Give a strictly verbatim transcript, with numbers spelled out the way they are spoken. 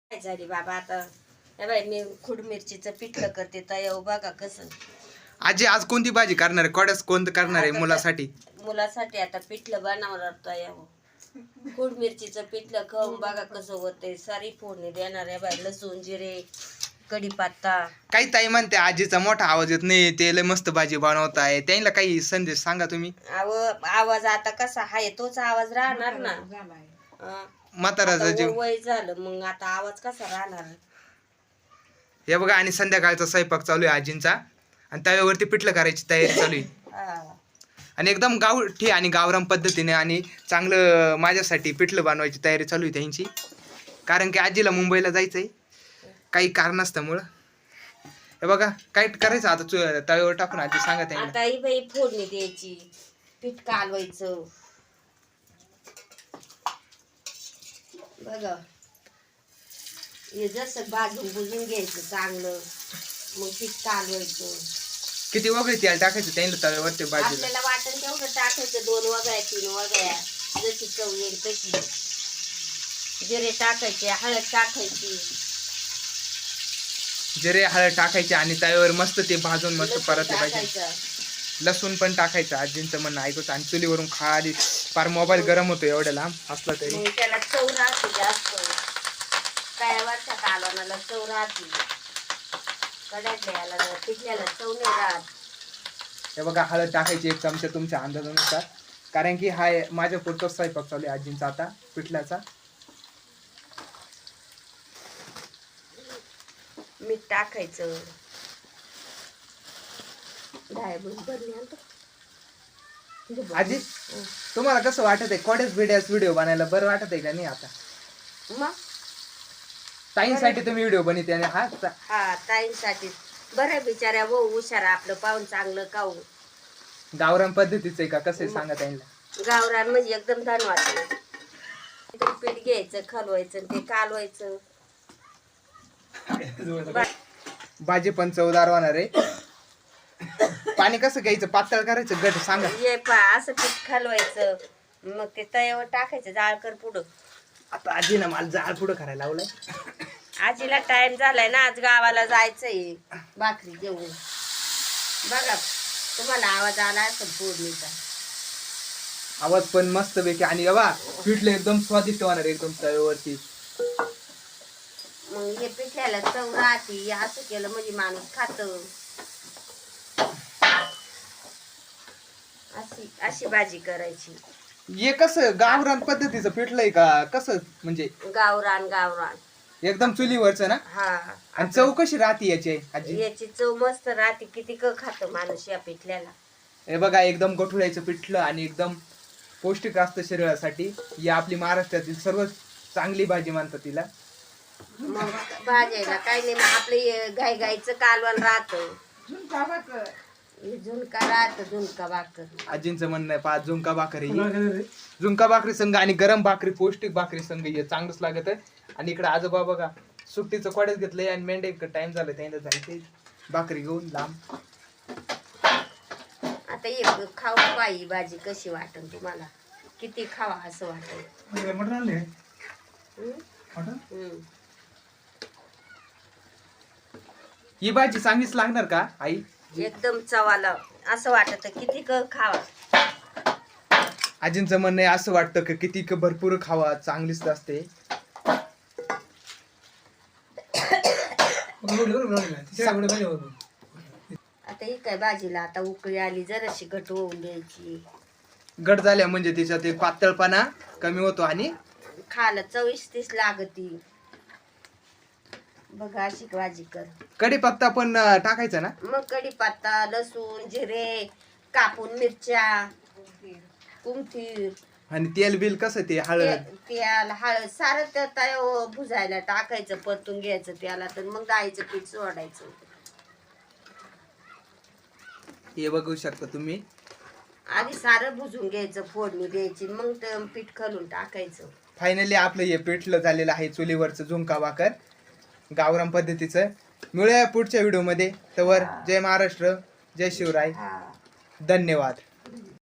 काय झाली बाबा आता. हे बाई मी खुड मिरचीचं पिठलं करते तर बघा कसं. आजी आज कोणती भाजी करणार आहे? कोड्यास कोणतं करणार आहे मुलासाठी? मुलासाठी आता पिठलं बनवणार तर खुड मिरचीचं पिठलं खाऊन बघा कसं होतंय. सारी फोडणी देणार आहे बाई. लसूण जिरे कढीपत्ता. काही ताई म्हणते आजीचा मोठा आवाज येत नाही, ते लय मस्त भाजी बनवताय, त्यांना काही संदेश सांगा तुम्ही. आव आवाज आता कसा आहे तोच आवाज राहणार ना. म्हाताराचा जीव वय झालं मग आता आवाज कसा राहणार. हे बघा आणि संध्याकाळचा स्वयंपाक चालू आहे आजींचा आणि तव्यावरती पिठलं करायची तयारी चालू आहे आणि एकदम गावठी आणि गावरान पद्धतीने आणि चांगलं माझ्यासाठी पिठलं बनवायची तयारी चालू आहे त्यांची. कारण की आजीला मुंबईला जायचंय काही कारणास्तमुळं. हे बघा काय करायचं आता तव्यावर टाकून आजी सांगा त्यांना. आता ही बाई फोडणी द्यायची, पीठ कालवायचं बघा. हे जसं भाजून बुजून घ्यायचं चांगलं, मग पीठ कालवायचं. किती वगैरे तेल टाकायचं त्यांना तव्यावरती भाजीला? आपल्याला वाटण तेवढं टाकायचं, दोन वगळ्या तीन वगळ्या जशी चव येईल तशी. जिरे टाकायचे, हळद टाकायची, जिरे हळद टाकायचे आणि तव्यावर मस्त ते भाजून मस्त परत पाहिजे. लसूण पण टाकायचं आजींचं म्हणणं ऐकूच. आणि चुलीवरून खाली फार मोबाईल गरम होतो एवढ्या लांब असला तरी. त्याला चव राहते जास्त. काय वर्षात कालवणाला चव राहते, कडातल्या याला पिठल्याला चव नाही राहत. हे बघा हळद टाकायची एक चमचा तुमच्या अंदाजानुसार, कारण की हा माझ्या पुरतो स्वयंपाक चालू आहे आजींचा आता पिठल्याचा. मीठ टाकायचं. आजी तुम्हाला कसं वाटत आहे कोडेच बिड्यास व्हिडिओ बनायला? बरं वाटत आहे का नाही आता? मग ताईंसाठी तुम्ही व्हिडिओ बनवते आणि हा हा ताईंसाठी बरं बिचाऱ्या वो हुशार आपलं पाहून चांगलं खाऊ. गावरान पद्धतीचं आहे का कसं आहे सांगा ताईंना. गावरान म्हणजे एकदम धन्यवाद. पीठ घ्यायचं, खलवायचं, ते कालवायचं. भाजी पण चवदार होणार आहे. पाणी कसं घ्यायचं, पातळ करायचं गट सांगा. ये पा असं पीठ खालवायचं, मग ते तव्यावर टाकायचं जाळकर पुढं. आता आजीनं मला जाळ पुढं करायला लावलंय. आजीला टाइम झालाय ना, आज गावाला जायचंय भाकरी घेऊन. बघा तुम्हाला आवाज आला असेल फोडणीचा. आवाज पण मस्त पैकी आणि बाबा पिठलं एकदम स्वादिष्ट होणार एकदम तव्यावरती. मग हे पिठल्याला चव राहते, असं केलं म्हणजे माणूस खात. अशी अशी भाजी करायची. हे कसं गावरान पद्धतीचं पिठलंय का कसं म्हणजे? गावरान गावरान एकदम चुलीवरचं ना. हा. आणि चव कशी राहते याची आजी? याची चव मस्त राहते. किती क खात माणूस या पिठल्याला. हे बघा एकदम गठुळ्याचं पिठलं आणि एकदम पौष्टिक असतं शरीरासाठी. ही आपली महाराष्ट्रातील सर्व चांगली भाजी मानतात तिला. मग भाजायला काही नाही, मग आपले गाई गाईचं कालवण राहतं. झुणका राहत, झुणका भाकर. आजींचं म्हणणं आहे पाच झुणका भाकरी, झुणका भाकरी संघ आणि गरम भाकरी पौष्टिक भाकरी संघ हे चांगलंच लागत आहे. आणि इकडे आजोबा बघा सुट्टीचं कोड्यात घेतलंय आणि मेंढे टाइम झालं त्यांना जायचंय भाकरी घेऊन लांब. आता एक खाऊ पाई भाजी कशी वाटन तुम्हाला, किती खावा असं वाटत. ही भाजी चांगलीच लागणार का आई? एकदम चवाला असं वाटत किती क खावा. आजींचं म्हणणं आहे असं वाटतं की किती क भरपूर खावा, चांगलीच असते. आता ही काय भाजीला आता उकळी आली, जराशी घट होऊन द्यायची. घट झाल्या म्हणजे तिच्यात ते पातळपणा कमी होतो आणि खायला चविष्टीच लागती. बघा अशी भाजी कर. कढीपत्ता पण टाकायचा ना? मग कढीपत्ता, लसूण, जिरे, कापून मिरच्या, कुंथीर आणि तेल बिल कसं ते हळद तेल हळद सारं त्या तव्यावर भुजायला टाकायचं, परतून घ्यायचं त्याला. तर मग डाळीचं पीठ सोडायचं. हे बघू शकता तुम्ही. आधी सारं भुजून घ्यायचं, फोडणी द्यायची, मग ते पीठ खालून टाकायचं. फायनली आपलं हे पिठलं झालेलं आहे चुलीवरचं झुणका भाकर गावरान पद्धतीचं. मिळूया पुढच्या व्हिडिओ मध्ये. तवर जय महाराष्ट्र, जय शिवराय, धन्यवाद.